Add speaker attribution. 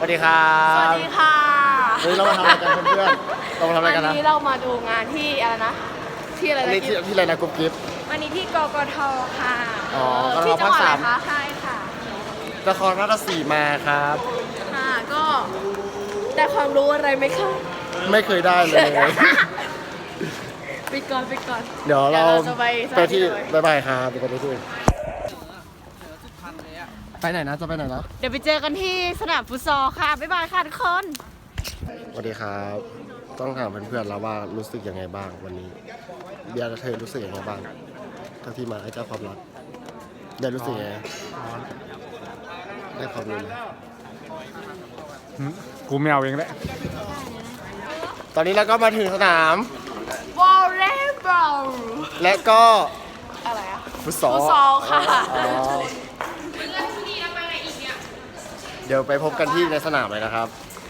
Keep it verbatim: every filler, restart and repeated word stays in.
Speaker 1: วัสดีครับ
Speaker 2: สวัสดีค่ะ
Speaker 1: เฮ้ยเรามาทำอะไรกันเพื่อนๆเรามาทำอะไรกันนะ
Speaker 2: วันนี้เรามาดูงานที่อะไรนะ ที่อะไร
Speaker 1: อัน
Speaker 2: นะ
Speaker 1: นี้ที่ที่อะไรนะกุ๊บกิ๊บ
Speaker 2: วันนี้ที่กกทค่ะ
Speaker 1: อ๋อกท
Speaker 2: ที่จังหวัด
Speaker 1: ภาค
Speaker 2: อะไร
Speaker 1: สาม
Speaker 2: คะใช่ค่ะ
Speaker 1: นครราชสีมาครับ
Speaker 2: ค่ะก็ได้ความรู้อะไรไหมคะ
Speaker 1: ไม่เคยได้เลย
Speaker 2: ปิดก่อนปิดก่อน
Speaker 1: เดี๋ยวเรา
Speaker 2: จะไปส
Speaker 1: ไป
Speaker 2: ถาน
Speaker 1: ที่
Speaker 2: เลย
Speaker 1: บายบายครับไปที่อื่นไปไหนนะจะไปไหนนะ
Speaker 2: เดี๋ยวไปเจอกันที่สนามฟุตซอลค่ะ บ๊ายบายค่ะทุกคน
Speaker 1: สวัสดีครับ ต้องถามเพื่อนๆแล้วว่ารู้สึกยังไงบ้างวันนี้เบียร์กับเธอรู้สึกยังไงบ้างทั้งที่มาไอ้เจ้าความรักได้รู้สึกยังไงได้ความรู้ไหม
Speaker 3: กูไม่เอาเองแหละ
Speaker 1: ตอนนี้เราก็มาถึงสนาม
Speaker 2: วอลเลย์บอล
Speaker 1: และก็
Speaker 2: อะไรอะ
Speaker 1: ฟุตซอล
Speaker 2: ฟุตซอลค่ะ
Speaker 1: อ๋อเดี๋ยวไปพบกันที่ในสนามเลยนะครับ